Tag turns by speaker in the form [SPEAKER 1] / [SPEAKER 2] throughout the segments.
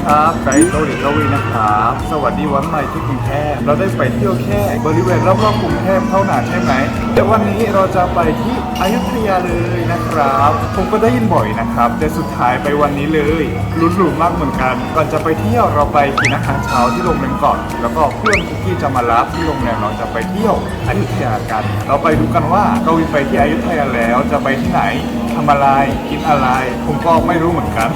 [SPEAKER 1] ครับไกด์เกาหลีกวีนะครับสวัสดีวันใหม่ที่กรุงเทพเราได้ไปเที่ยวแค่บริเวณรอบๆกรุงเทพเท่านั้นใช่ไหมแต่วันนี้เราจะไปที่อยุธยาเลยนะครับผมก็ได้ยินบ่อยนะครับแต่สุดท้ายไปวันนี้เลยลุ้นหลูมากเหมือนกันก่อนจะไปเที่ยวเราไปกินอาหารเช้าที่โรงแรมก่อนแล้วก็เพื่อนคุกกี้จะมารับที่โรงแรมเราจะไปเที่ยวอยุธยากันเราไปดูกันว่ากวีไปที่อยุธยาแล้วจะไปที่ไหนทำอะไรกินอะไรผมก็ไม่รู้เหมือนกัน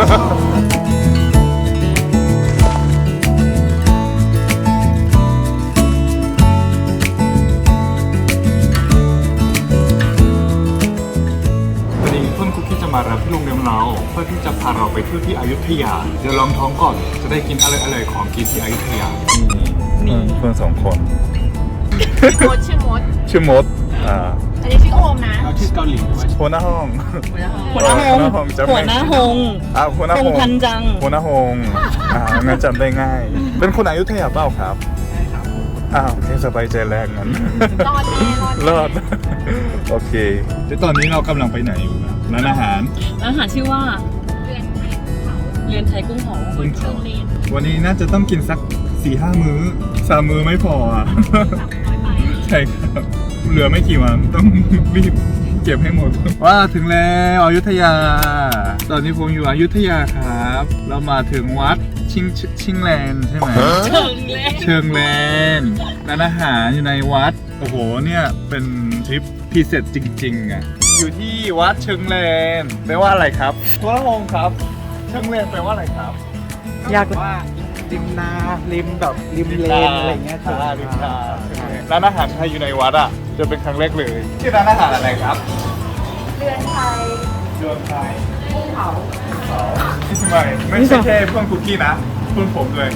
[SPEAKER 1] วันนี้เพื่อนคุกกี้จะมารับที่โรงแรมเราเพื่อที่จะพาเราไปเที่ยวที่อยุธยาเดี๋ยวลองท้องก่อนจะได้กินอะไรๆของกินที่อยุธยานี่เพื่อนสองคน
[SPEAKER 2] มดชื่อมด
[SPEAKER 1] ชื่อมด
[SPEAKER 2] อันนี้ชื่อโอมนะ
[SPEAKER 1] ชื่อเกาหลีหัวหน้าห้อง
[SPEAKER 3] หัวหน้าหง หัวหน้าหง
[SPEAKER 1] หัวหน้า
[SPEAKER 3] ห
[SPEAKER 1] ห
[SPEAKER 3] ง
[SPEAKER 1] ง
[SPEAKER 3] พันจัง
[SPEAKER 1] หัวหน้าหงงั้นจำได้ง่าย เป็นคนอยุธยาเปล่าครับใช่ครับโอเคสบายใจแรกงั้น
[SPEAKER 2] รอดแน่รอด
[SPEAKER 1] รอด โอเคแต่ตอนนี้เรากำลังไปไหนอยู่นะร้านอาหาร
[SPEAKER 3] ร้านอาหารชื่อว่า
[SPEAKER 2] เรือนไทยกุ้งเผา
[SPEAKER 3] เรือนไทยกุ้งเผา
[SPEAKER 1] กุ้งเผา วันนี้น่าจะต้องกินสัก 4-5 มื้อ3 มื้อไม่พออ่ะ ใช่ครับ เหลือไม่กี่วันต้องรีบเก็บให้หมด ว่าถึงแล้วอยุธยา ตอนนี้ผมอยู่อยุธยาครับ เรามาถึงวัดชิงแลนใช่ไหม
[SPEAKER 3] เชิงเลย
[SPEAKER 1] เชิงแลนร้านอาหารอยู่ในวัด โอ้โห เนี่ยเป็นทริปพิเศษจริงๆอ่ะ อยู่ที่วัดเชิงแลนแปลว่าอะไรครับตัวละงครับ เชิงแลนแปลว่าอะไรครับ
[SPEAKER 3] อยาก
[SPEAKER 4] ว่าริมนาริมแบบริมเลนอะไรเงี้ย
[SPEAKER 1] ริมนาร้านอาหารไทยอยู่ในวัดอ่ะ จะเป็นครั้งแรกเลยชื่อร้านอาหารอะไรครับ
[SPEAKER 2] เรือนไทย
[SPEAKER 1] เรือนไทย
[SPEAKER 2] กุ้งเผา
[SPEAKER 1] ที่สมัยไม่ใช่แค่เพื่อนคุกกี้นะเพื่อนผมเลย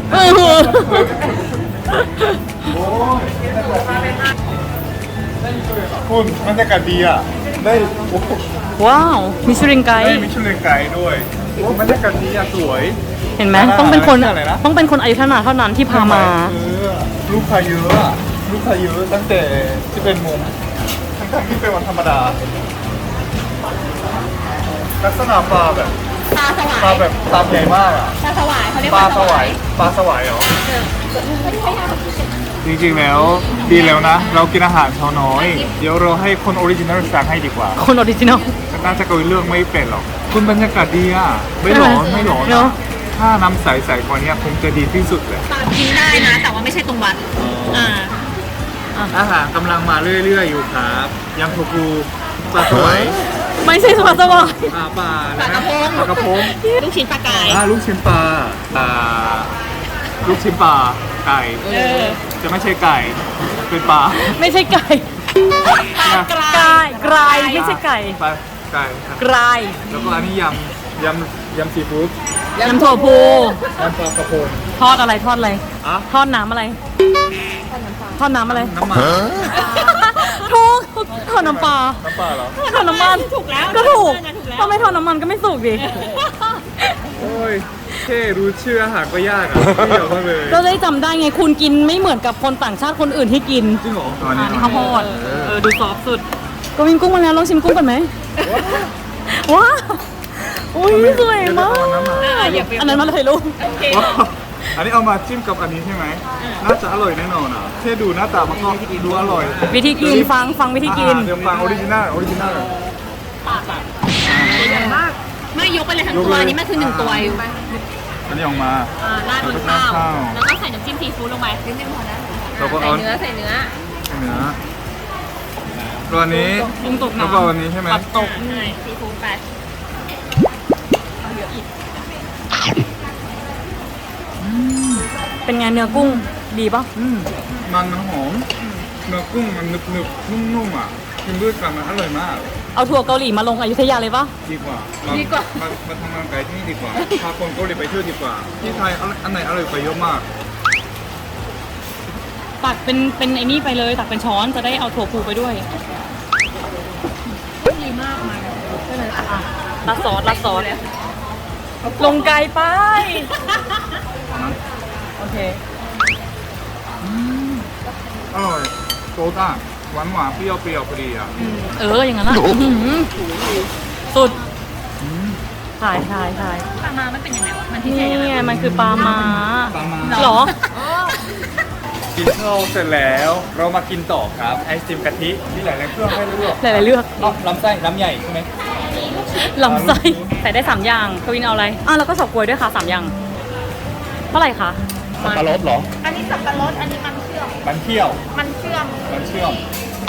[SPEAKER 1] โอ้ยคุณบรรยากาศดีอ่ะ ได้โอ้โห
[SPEAKER 3] ว้าวมิชลินไก
[SPEAKER 1] ได้
[SPEAKER 3] ด์
[SPEAKER 1] มิชลินไกด์ด้วยโอ้บรรยากาศดีอ่ะสวย
[SPEAKER 3] เห็นไหม
[SPEAKER 1] ร้านอาหาร
[SPEAKER 3] ต้องเป็นคน
[SPEAKER 1] ชื่ออะไรนะ
[SPEAKER 3] ต้องเป็นคนอยุธยาเท่านั้นที่พามา
[SPEAKER 1] ลูกค้าเยอะอะลูกค้าเยอะตั้งแต่ที่เป็นมุมทั้งๆที่เป็นวันธรรมดา ลักษณะปลาแบบ
[SPEAKER 2] ปลาสวา
[SPEAKER 1] ปลาย แบบปลาใหญ่มากอ่ะ
[SPEAKER 2] ปลาสวายเขาเรียก
[SPEAKER 1] ปลาสวายปลาสวายเหรอ จริงๆแล้วดีแล้วนะ เรากินอาหารเช้าน้อย เดี๋ยวเราให้คนออริจินัลสั่งให้ดีกว่า
[SPEAKER 3] คนออริจินอล
[SPEAKER 1] น่าจะคุยเรื่องไม่เป็นหรอก คุณบรรยากาศดีอ่ะ ไม่ร้อนไม่ร้อน
[SPEAKER 3] เน
[SPEAKER 1] อะ
[SPEAKER 3] อะ
[SPEAKER 1] ถ้าน้ำใสๆกว่านี้คงจะดีที่สุดเลย
[SPEAKER 2] กินได้นะ แต่ว่าไม่ใช่ตรงวัด
[SPEAKER 1] อาหารกำลังมาเรื่อยๆอยู่ครับยำโทฟูปลาสวาย
[SPEAKER 3] ไม่ใช่สวัสดิ์
[SPEAKER 1] ปลา
[SPEAKER 2] ปลากระพง
[SPEAKER 1] ปลากระพง
[SPEAKER 2] ลูกชิ้นปลากาย
[SPEAKER 1] ลูกชิ้นปลาลูกชิ้นปลาไก่ จะไม่ใช่ไก่ เป็นปลา
[SPEAKER 3] ไม่ใช่ไก่
[SPEAKER 2] ปลากราย
[SPEAKER 3] กรายไม่ใช่ไก่
[SPEAKER 1] ปลาไก่ครับ
[SPEAKER 3] กราย
[SPEAKER 1] แล้วก็อันนี้ยำซีฟู้ด
[SPEAKER 3] ยำถั่วพู
[SPEAKER 1] ยำปลากระพง
[SPEAKER 3] ทอดอะไรทอดอะไร
[SPEAKER 1] อะ
[SPEAKER 3] ทอดน้ำอะไร ทอดน้ำอะไร
[SPEAKER 1] น้ำมัน
[SPEAKER 3] ถูกทอดน้ำปลา
[SPEAKER 1] น้ำปลาเหรอ
[SPEAKER 3] ทอดน้ำมัน
[SPEAKER 2] ถูกแล้ว
[SPEAKER 3] ก็ถูก
[SPEAKER 2] ถูกแล้ว
[SPEAKER 3] ถ้าไม่ทอดน้ำมันก็ไม่สุกดิ
[SPEAKER 1] โอ้ยแค่รู้ชื่ออาหารก็ยากอ่ะไม่เยอะมากเลย
[SPEAKER 3] เราได้จำได้ไงคุณกินไม่เหมือนกับคนต่างชาติคนอื่นที่กิน
[SPEAKER 1] จริงเหรอตอน
[SPEAKER 3] อั
[SPEAKER 1] นี้
[SPEAKER 3] นนี้ข้าวโพดดูซอฟสุดก็วินกุ้งมาแล้วลองชิมกุ้งก่อนไหมว้าวอุ้ยสวยมากอันนั้นมาเลยลูก
[SPEAKER 2] โอเค
[SPEAKER 1] ว้าวอันนี้เอามาจิ้มกับอันนี้ใช่ไหมน่าจะอร่อยแน่นอนอ่ะแค่ดูหน้าตามันก็ดูอร่อย
[SPEAKER 3] วิธีกินฟังวิธีกิน
[SPEAKER 1] เดี๋ยวฟังออริจินัลเลย
[SPEAKER 2] ใหญ่มาก ไม่ยกไปเลยทั้งตัวอันนี้มันคือ1 ตัวอยู่
[SPEAKER 1] อันนี้ออกมา
[SPEAKER 2] ราดบนข้าว
[SPEAKER 1] ข้าว
[SPEAKER 2] แล้วก็ใส่น้ำจิ้มซีฟู้ดลงไปนิดนึงพอนะ
[SPEAKER 1] แล้วก็
[SPEAKER 2] ใส่
[SPEAKER 1] เอา
[SPEAKER 2] เนื้อใส่เนื้อ
[SPEAKER 1] เนื้อตัวนี้
[SPEAKER 3] กุ้งตก
[SPEAKER 1] แล้ว
[SPEAKER 3] น้ำ
[SPEAKER 1] ก็อันนี้ใช่ไหม
[SPEAKER 3] ผักตก
[SPEAKER 2] ใช่ซีฟู้ดไป
[SPEAKER 3] เป็นไงเนื้อกุ้งดีปะ
[SPEAKER 1] มันหอมเนื้อกุ้งมันนึบๆนุ่มๆอ่ะกินด้วยกันมันอร่อยมาก
[SPEAKER 3] เอาถั่วเกาหลีมาลงอยุธยาเลยปะ
[SPEAKER 1] ดีกว่ามาทำงานไกลที่นี่ดีกว่าพาคนเกาหลีไปเที่ยวดีกว่าที่ไทยอันไหนอร่อยไปเยอะมาก
[SPEAKER 3] ตักเป็นไอ้นี่ไปเลยตักเป็นช้อนจะได้เอาถั่วพูไปด้วย
[SPEAKER 2] ดีมากมา
[SPEAKER 3] ลาดซอสลงไกลไปโอเค
[SPEAKER 1] อร่อยโซดาหวานเปรี้ยวพอดีอ่ะ
[SPEAKER 3] อย่างนั้นละสุดใช่ใช่ใช่
[SPEAKER 2] ปลามามันเป็นยังไงวะมันพิเศ
[SPEAKER 3] นี่
[SPEAKER 2] ษยังไง
[SPEAKER 3] ไงมันคือปลาม้า
[SPEAKER 1] ปลามา
[SPEAKER 3] เหรอ
[SPEAKER 1] กินข้าวเสร็จแล้ว เรามากินต่อครับไอศครีมกะทิที่หลายๆเครื่องให้เลือก
[SPEAKER 3] หลายๆเลือก
[SPEAKER 1] ลำไส้ลำใหญ่ใช่ไหม
[SPEAKER 3] ลำไส้ใส่ได้3อย่างกวินเอาอะไรแล้วก็เฉาก๊วยด้วยค่ะ3อย่างเท่าไหร่คะ
[SPEAKER 1] สับปะรดเหรอ
[SPEAKER 2] อันนี้สับปะรดอันนี้มันเชื่อม
[SPEAKER 1] มันเที่ยว
[SPEAKER 2] มันเชื่อม
[SPEAKER 1] มันเชื่อม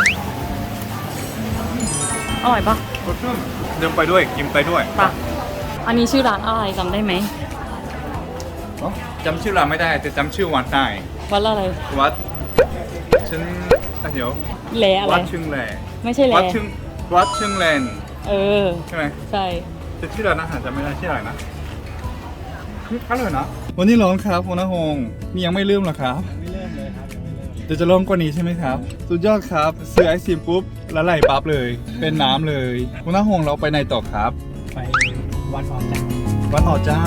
[SPEAKER 3] อร่อยปะ
[SPEAKER 1] รสชื่นเดินไปด้วยกินไปด้วย
[SPEAKER 3] ปะอันนี้ชื่อร้านอะไรจำได้ไหม
[SPEAKER 1] เนอะจำชื่อร้านไม่ได้แต่จำชื่อวัดได้
[SPEAKER 3] วัดอะไร
[SPEAKER 1] วัดเดี๋ยว
[SPEAKER 3] แหลอะไร
[SPEAKER 1] วัดชึงแหล
[SPEAKER 3] ไม่ใช่แหล
[SPEAKER 1] วัดชึงแลน
[SPEAKER 3] เออ
[SPEAKER 1] ใช่ไหม
[SPEAKER 3] ใช่
[SPEAKER 1] จะชื่อร้านอาหารจำไม่ได้ชื่ออะไรนะอร่อยนะวันนี้ร้อนครับคุณนหงนี่ยังไม่เริ่มหรอครับไม่เริ่มเลยครับเดี๋ยวจะร้อนกว่านี้ใช่ไหมครับสุดยอดครับซื้อไอศครีมปุ๊บแล้วไหลปั๊บเลย เป็นน้ำเลยคุณนหงเราไปไหนต่อครับ
[SPEAKER 4] ไปวัดออจัก
[SPEAKER 1] วัดหอเจ้า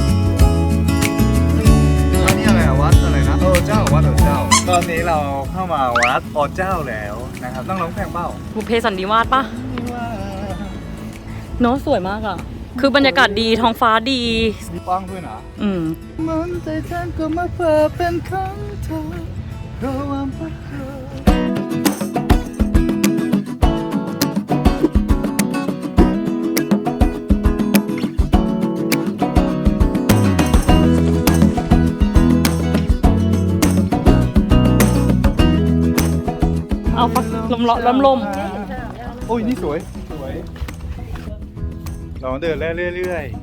[SPEAKER 1] อันนี้อะไรอะวัดอะไรนะเจ้าวัดหอเจ้า ตอนนี้เราเข้ามาวัดหอเจ้าแล้วนะครับต้องร้องเพลงเปล่า
[SPEAKER 3] บุพเพสันนิวาสปะเนาะสวยมากอ่ะ คือบรรยากาศดีท้องฟ้าดี
[SPEAKER 1] มีป้องด้วยนะ
[SPEAKER 3] อืม
[SPEAKER 1] มันใจฉันก็มาเพื่อเป็นของเธอเพราะว่าพักเธอ
[SPEAKER 3] เอาฟักลมลม
[SPEAKER 1] โอ้ยนี่สวยสวยเราเดินเรื่อย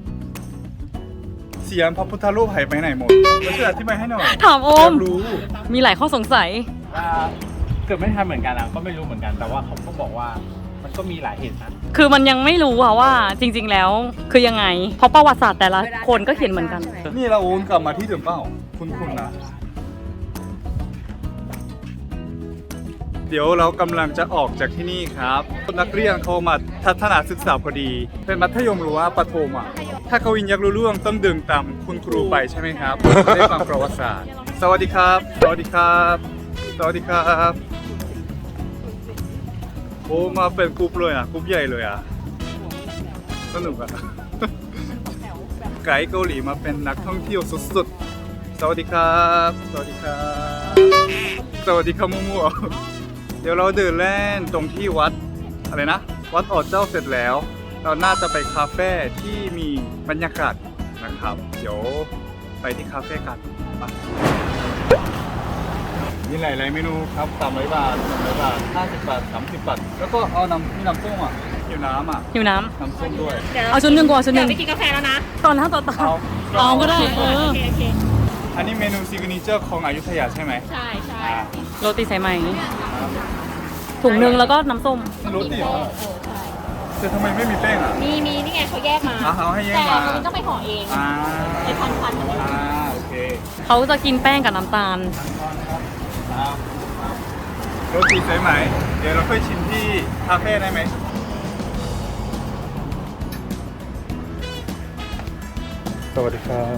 [SPEAKER 1] ๆเสียงพระพุทธรูปหายไปไหนหมดแล้วช่วยอธิบายให้หน่อย
[SPEAKER 3] ถามโอม
[SPEAKER 1] อยากรู้
[SPEAKER 3] มีหลายข้อสงสัย
[SPEAKER 4] เกิดไม่ทันเหมือนกันอ่ะก็ไม่รู้เหมือนกัน แต่ว่าเขาก็บอกว่ามันก็มีหลายเหตุนะ
[SPEAKER 3] คือมันยังไม่รู้อะว่าจริง ๆ แล้วคือยังไง เพราะประวัติศาสตร์แต่ละคนก็เขียนเหมือนกัน
[SPEAKER 1] นี่เราโอนกลับมาที่เดิมเป้าคุณนะ เดี๋ยวเรากำลังจะออกจากที่นี่ครับนักเรียนเขามาทัศนศึกษาพอดี เป็นมัธยมหรือว่าประถมอ่ะถ้าเขาวินอยากรู้เรื่องต้องเดินตามคุณครูไปใช่ไหมครับได้ฟังประวัติศาสตร์ สวัสดีครับ สวัสดีครับ สวัสดีครับโอ้มาเป็นกรุ๊ปเลยอ่ะกรุ๊ปใหญ่เลยอ่ะสนุกอ่ะ ไกด์เกาหลีมาเป็นนักท่องเที่ยวสุดๆ สวัสดีครับ สวัสดีครับ สวัสดีครับมั่วๆเดี๋ยวเราเดินเล่นตรงที่วัดอะไรนะ วัดออเจ้าเสร็จแล้ว เราน่าจะไปคาเฟ่ที่มีบรรยากาศนะครับ เดี๋ยวไปที่คาเฟ่กันไปมีหลายๆเมนูครับ300 บาท300 บาท50 บาท30 บาท แล้วก็เอามีน้ำส้มอ่ะอยู่น้ำอ่ะ
[SPEAKER 3] หิวน้
[SPEAKER 1] น้ำส้มด้วย
[SPEAKER 3] ำเอาชุดหนึ่งก่อนชุดห
[SPEAKER 2] เดี๋ย
[SPEAKER 3] นึ่
[SPEAKER 2] ว
[SPEAKER 3] ง
[SPEAKER 2] ไปกินกาแฟแล้วนะ
[SPEAKER 3] ตอนหน้าต่อตา เอาก็ได้
[SPEAKER 2] โอเค
[SPEAKER 1] อันนี้เมนูซิกเนเจอร์ของอยุธยาใช่ไหม
[SPEAKER 2] ใช่ใช่
[SPEAKER 1] อ่า
[SPEAKER 3] โรตีสายไหมถุงหนึ่งแล้วก็น้ำส้ม
[SPEAKER 1] รสดีเหรอแต่ทำไมไม่มีแป้งอ่ะ
[SPEAKER 2] มีนี่ไงเขาแยกมา
[SPEAKER 1] เอาให้แยก
[SPEAKER 2] แต่
[SPEAKER 1] มา
[SPEAKER 2] อันนี้ต้องไปห่อเอง
[SPEAKER 1] อ่า
[SPEAKER 2] ไปพันๆ
[SPEAKER 1] โอเค
[SPEAKER 3] เขาจะกินแป้งกับน้ำตาล
[SPEAKER 1] โรตีสายไหม เดี๋ยวเราค่อยชิมที่คาเฟ่ได้ไหมสวัสดีครับ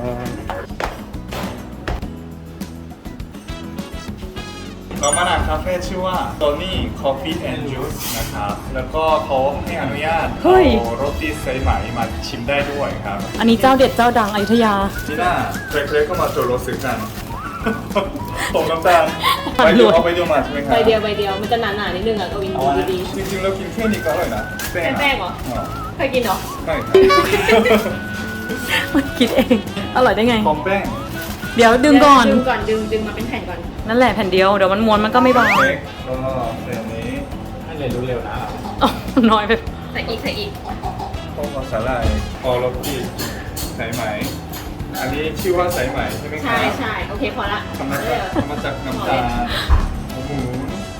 [SPEAKER 1] เรามาหนังคาเฟ่ชื่อว่า Tony Coffee and Juice นะครับ แล้วก็เขาให้อนุญาต
[SPEAKER 3] เฮ้ย
[SPEAKER 1] เอาโรตีสายไหมมาชิมได้ด้วยครับ
[SPEAKER 3] อันนี้เจ้าเด็ดเจ้าดังอยุธยา
[SPEAKER 1] นี่น่าเคยๆก็มาโจโรซื้อกัน ผมน้ำตาล
[SPEAKER 3] ปั่
[SPEAKER 1] ไป
[SPEAKER 3] น
[SPEAKER 1] เดียว
[SPEAKER 3] รวย
[SPEAKER 1] เอาไปเดียวมาใช่ไหมครับ
[SPEAKER 2] ใบเดียวมันจะหนาๆนิดนึงอ่ะกวินดูดี
[SPEAKER 1] จริงๆเรากินแค่นี้ก็อร่อยนะแป้ง
[SPEAKER 2] แป้งเหรอ เคยกินเหรอ
[SPEAKER 1] ใช่ครับ
[SPEAKER 3] มันคิดเอง อร่อยได้ไง
[SPEAKER 1] หอมแป้ง
[SPEAKER 3] เดี๋ยวดึงก่อน
[SPEAKER 2] ดึงมาเป็นแผ่นก่อน
[SPEAKER 3] นั่นแหละแผ่นเดียว เดี๋ยวมันม้วนมันก็ไม่บาง
[SPEAKER 1] เค้กก็แบบนี้
[SPEAKER 4] ให้เรียนรู้เร็วนะ
[SPEAKER 3] อ๋อน้อยไป
[SPEAKER 2] ใส่อีก
[SPEAKER 1] ต้มกับสาหร่ายออโรตีสายไหม อันนี้ชื่อว่าสายไหมใช่ไหมครั
[SPEAKER 2] ใช่โอเคพอละ
[SPEAKER 1] ทำมาจากน้ำตาลหมู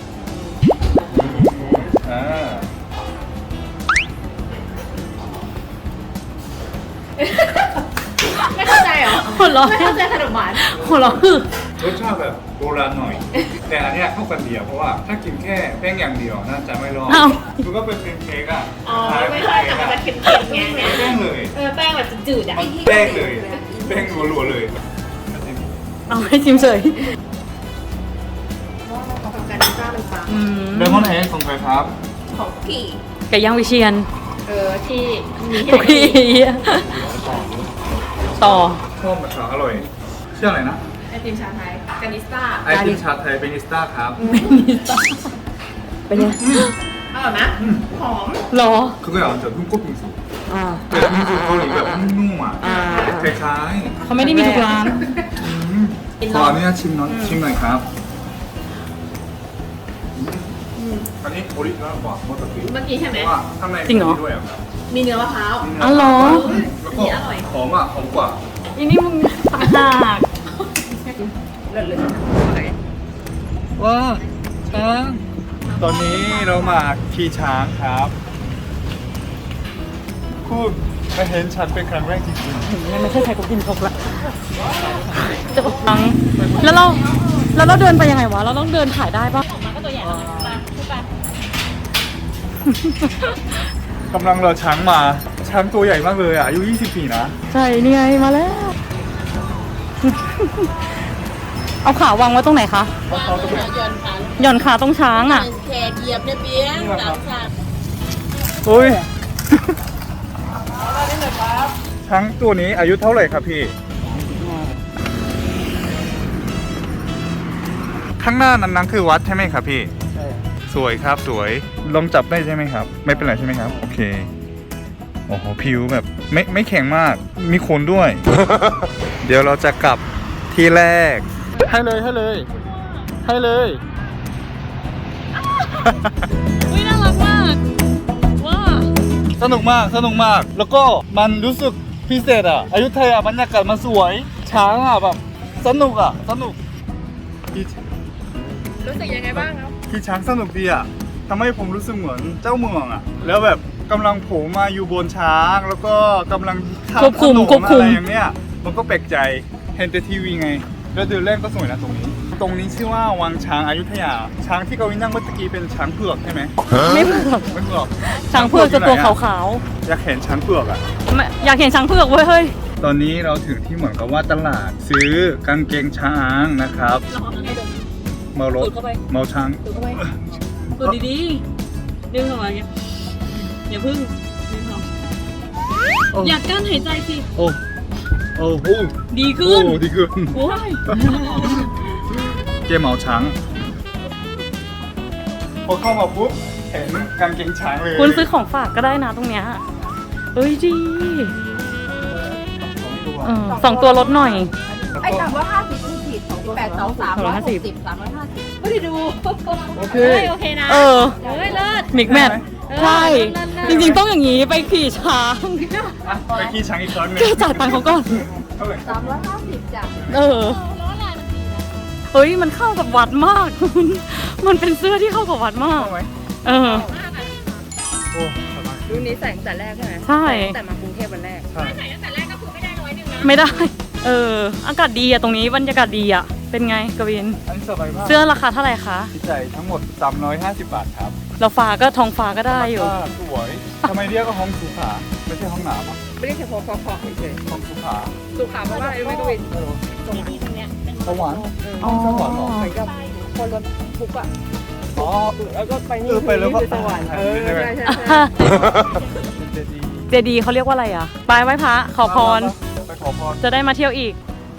[SPEAKER 2] ไม่เข้าใจเหรอ
[SPEAKER 3] หัวเราะ
[SPEAKER 2] ไม่เข้าใจขนมหวาน
[SPEAKER 3] หัวเราะคือ
[SPEAKER 1] รสชาติแบบโบราณหน่อย แต่อันเนี้ยเข้ากันเดียวเพราะว่าถ้ากินแค่แป้งอย่างเดียวน่าจะไม่รอด
[SPEAKER 3] อ้าว
[SPEAKER 1] มันก็เป็นเค้กอ่ะ
[SPEAKER 2] อ๋อไม่ใช่แต่มันจะเค็มๆไง
[SPEAKER 1] แป้งเลย
[SPEAKER 2] แป้งแบบจืดๆอ่ะ
[SPEAKER 1] แป้งเลย แป้งรัวๆเลย
[SPEAKER 3] เอาให้ชิมเฉย
[SPEAKER 2] ของการจ้ามันปัง
[SPEAKER 3] อืม
[SPEAKER 1] เลมอนเฮดของใครครับ
[SPEAKER 2] ของพี่
[SPEAKER 3] ไก่ย่างวิเชียน
[SPEAKER 2] ที่มี
[SPEAKER 3] ทุกทีต่อ
[SPEAKER 1] ชอบแบบอร่อยชื่ออะไรนะ
[SPEAKER 2] ไอติมชาไทยกานิสต้า
[SPEAKER 1] ไอติมชาไทยเบนิสต้าครับ
[SPEAKER 3] เป็นไง
[SPEAKER 2] อร่อยนะหอม
[SPEAKER 3] หรอ
[SPEAKER 1] คือก็อย่างจะทุ่งกุ้งปิงซู
[SPEAKER 3] อ่า
[SPEAKER 1] เป็นปิงซูเกาหลีแบบนุ่มๆอ่ะคล้าย
[SPEAKER 3] เขาไม่ได้มีทุกร้าน
[SPEAKER 1] ๆขออนุญาตชิมหน่อยครับอันนี้โอริจินอลกว่าเมื่อกี้
[SPEAKER 2] เมื่อกี้ใช่ไหม
[SPEAKER 1] ว่าข้างใน
[SPEAKER 3] จริงเหรอ
[SPEAKER 1] มีด้วยอ่ะครับ
[SPEAKER 2] มีเนื้อมะพร้าว
[SPEAKER 3] อ๋อเหรอ
[SPEAKER 1] แล้วก็หอมอ่ะหอมกว่า
[SPEAKER 3] อีนี่มึงต่างหาก
[SPEAKER 1] ว้าช้างตอนนี้เรามาขี่ช้างครับคุณมาเห็นฉันเป็นครั้งแรกจริง
[SPEAKER 3] ไม่ใช่ใครก็กินครบละจะบอกตังแล้วเราเดินไปยังไงวะ เราต้องเดินถ่ายได้ปะ
[SPEAKER 2] มันก็ตัวใหญ่มาพูดไป
[SPEAKER 1] ๆกำลังเราช้างมาช้างตัวใหญ่มากเลยอ่ะอายุ20 ปีนะ
[SPEAKER 3] ใช่นี่ไงมาแล้ว เอาขาวางไว้ตรงไหนคะ หย่อนขาตรงช้างอ่ะ
[SPEAKER 2] แขกเหยียบเนี่ยเบี้ยงหลังคา
[SPEAKER 1] เฮ้ย ช้างตัวนี้อายุเท่าไหร่ครับพี่ ข้างหน้านั้นคือวัดใช่ไหมครับพี่
[SPEAKER 4] ใช่
[SPEAKER 1] สวยครับสวยลองจับได้ใช่ไหมครับ ไม่เป็นไรใช่ไหมครับ โอเค โอ้โหผิวแบบไม่แข็งมาก มีขนด้วย เดี๋ยวเราจะกลับที่แรก ให้เลยให้เลย ให้เลย
[SPEAKER 3] อุ้ยน่ารักมากว้า
[SPEAKER 1] สนุกมากสนุกมาก แล้วก็มันรู้สึกพิเศษอ่ะอยุธยาบรรยากาศมันสวย ช้างอ่ะแบบสนุกอ่ะสนุกขี่
[SPEAKER 2] รู้สึกยังไงบ้างครับ
[SPEAKER 1] ขี่ช้างสนุกดีอ่ะทำให้ผมรู้สึกเหมือนเจ้าเมืองอ่ะ แล้วแบบกำลังโผล่มาอยู่บนช้าง แล้วก็กำลังข้าม
[SPEAKER 3] ควบคุม
[SPEAKER 1] ถนน
[SPEAKER 3] ควบคุม
[SPEAKER 1] อะไรอย่างเนี้ยมันก็แปลกใจเห็นแต่ทีวีไง แล้วเดินเล่นก็สวยนะตรงนี้ ตรงนี้ชื่อว่าวังช้างอยุธยา ช้างที่กวินนั่งเมื่อกี้เป็นช้างเผือกใช่ไหม
[SPEAKER 3] ไม่เผือก
[SPEAKER 1] ไม่เผือก
[SPEAKER 3] ช้างเผือกจะตัวขาว
[SPEAKER 1] อยากเห็นช้างเผือกอ่ะ
[SPEAKER 3] ๆไม่อยากเห็นช้างเผือกเว้ยเฮ้ย
[SPEAKER 1] ตอนนี้เราถึงที่เหมือนกับว่าตลาดซื้อกางเกงช้างนะครับเมารถ
[SPEAKER 3] สูดเข้าไป
[SPEAKER 1] เมาช้าง
[SPEAKER 3] ดูเข้าไปดูดีๆดึงออกมาอย่างเงี้ยอย่าพึ่งดึงออกอยากกั้นหายใจสิ
[SPEAKER 1] โอ้โอ้โห
[SPEAKER 3] ดีขึ้น
[SPEAKER 1] โอ้ดีขึ้น
[SPEAKER 3] โอ้ย
[SPEAKER 1] เจ๊เมาช้างพอเข้ามาปุ๊บเห็นกางเกงช้างเลย
[SPEAKER 3] คุณซื้อของฝากก็ได้นะตรงเนี้ยเอ้ยดีสองตัวลดหน่อย
[SPEAKER 2] ไอ้350คูณผิด8 2 360 350ไม่ได้ดู
[SPEAKER 1] โอเค
[SPEAKER 2] โอเคนะ
[SPEAKER 3] เออ
[SPEAKER 2] เฮ้ยเลิศ
[SPEAKER 3] มิกแมทใช่
[SPEAKER 2] เลิศ
[SPEAKER 3] จริงๆต้องอย่างนี้ไปขี่ช้าง
[SPEAKER 1] อ่ะไปขี่ช้างอีกครั้งหนึง
[SPEAKER 3] แกจ่ายตังค์เขาก่อน
[SPEAKER 1] เท่าไหร่
[SPEAKER 2] 350จ้ะ
[SPEAKER 3] เออเฮ้ยมันเข้ากับวัดมาก มันเป็นเสื้อที่เข้ากับวัดมาก
[SPEAKER 1] เข้าไหม
[SPEAKER 3] เออ
[SPEAKER 1] โอ้สบาย
[SPEAKER 2] รุ่นนี้ใส่ตั้งแต่แรกใช่ไหม
[SPEAKER 3] ใช่
[SPEAKER 2] แต่มากรุงเทพวันแรก
[SPEAKER 1] ใช่
[SPEAKER 2] ใส่ตั้งแต่แรกก็คือไม่ได้100นะ
[SPEAKER 3] ไม่ได้ เออ อากาศดีอะตรงนี้บรรยากาศดีอะเป็นไงกวิน
[SPEAKER 1] อันนี้สบายมาก
[SPEAKER 3] เสื้อราคาเท่าไหร่คะ
[SPEAKER 1] ที่ใจายทั้งหมด350 บาทครับ
[SPEAKER 3] เราฟ้าก็ทองฟ้าก็ได้อยู่
[SPEAKER 1] สวยทำไมเรียกว่าห้องสุขาไม่ใช่ห้องน้ำอ่ะ
[SPEAKER 2] ไม่ได้แค่พอเฉย
[SPEAKER 1] ห้องสุขา
[SPEAKER 2] ๆสุขาเพราะว่าอะไรรู้ไหมกวิน ตรงเนี้ยเป็น
[SPEAKER 1] สวรรค์
[SPEAKER 3] อ๋อ
[SPEAKER 1] สวรรค์เหรอ
[SPEAKER 2] เหมือนกับคนรถทุกข์อ่ะ
[SPEAKER 1] อ๋อ
[SPEAKER 2] แล้วก็ไปนี่
[SPEAKER 1] ไปแล้วก็
[SPEAKER 2] คือสวรรค์
[SPEAKER 1] ใช่
[SPEAKER 2] ใช่
[SPEAKER 1] ไหม
[SPEAKER 2] ใช่ใช่
[SPEAKER 1] เจดีย์
[SPEAKER 3] เจดีย์เขาเรียกว่าอะไรอะไปไหว้พระขอพร
[SPEAKER 1] ไปขอพร
[SPEAKER 3] จะได้มาเที่ยวอีก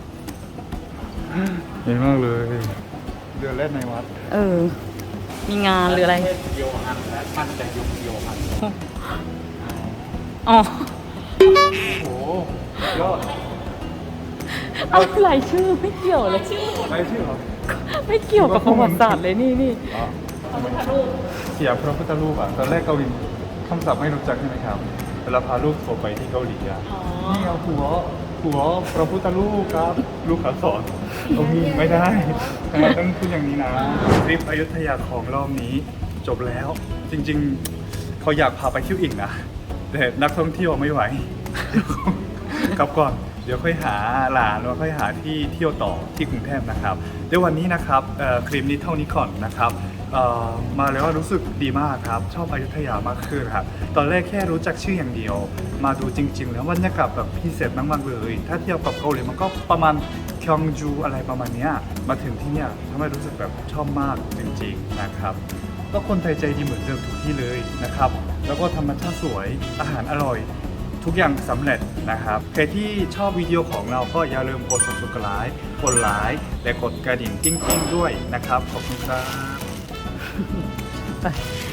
[SPEAKER 1] เห็นมากเลยเรือเล่นในวัด
[SPEAKER 3] เออ มีงานหรืออะไร
[SPEAKER 4] เดียวกันและมันจะยุคเดียวกัน
[SPEAKER 3] อ๋อ
[SPEAKER 1] โอ้โหยอด
[SPEAKER 3] อะไรชื่อไม่เกี่ยวเลย
[SPEAKER 1] ไม่ชื่อเหรอ
[SPEAKER 3] ไม่เกี่ยวกับประวัติศาสตร์เลยนี่
[SPEAKER 1] อ๋อเสียพระพุทธรูปอ่ะตอนแรกเกาหลีคำศัพท์ไม่รู้จักใช่ไหมครับเวลาพาลูกโผล่ไปที่เกาหลีอ่ะนี่เอาหัวพระพุทธรูปครับลูกขาสอนตรงนี้ไม่ได้ทำไมต้องพูดอย่างนี้นะทริปอยุธยาของรอบนี้จบแล้ว จริงๆเขาอยากพาไปเที่ยวอีกนะแต่นักท่องเที่ยวไม่ไหว กลับก่อนเดี๋ยวค่อยหาหลานแล้วค่อยหาที่เที่ยวต่อที่กรุงเทพนะครับเดี๋ยววันนี้นะครับคลิปนี้เท่านี้ก่อนนะครับมาแล้วรู้สึกดีมากครับชอบอยุธยามากขึ้นครับตอนแรกแค่รู้จักชื่ออย่างเดียว มาดูจริง ๆ แล้วบรรยากาศแบบพิเศษมากๆเลย ถ้าเทียบกับเกาหลีมันก็ประมาณคยองจูอะไรประมาณเนี้ยมาถึงที่เนี่ยทำให้รู้สึกแบบชอบมากจริงๆนะครับก็คนไทยใจดีเหมือนเดิมทุกที่เลยนะครับแล้วก็ธรรมชาติสวยอาหารอร่อย ทุกอย่างสำเร็จนะครับใครที่ชอบวิดีโอของเราก็อย่าลืมกด subscribe กดไลค์และกดกระดิ่งกิ้งๆด้วยนะครับขอบคุณครับ
[SPEAKER 3] ไป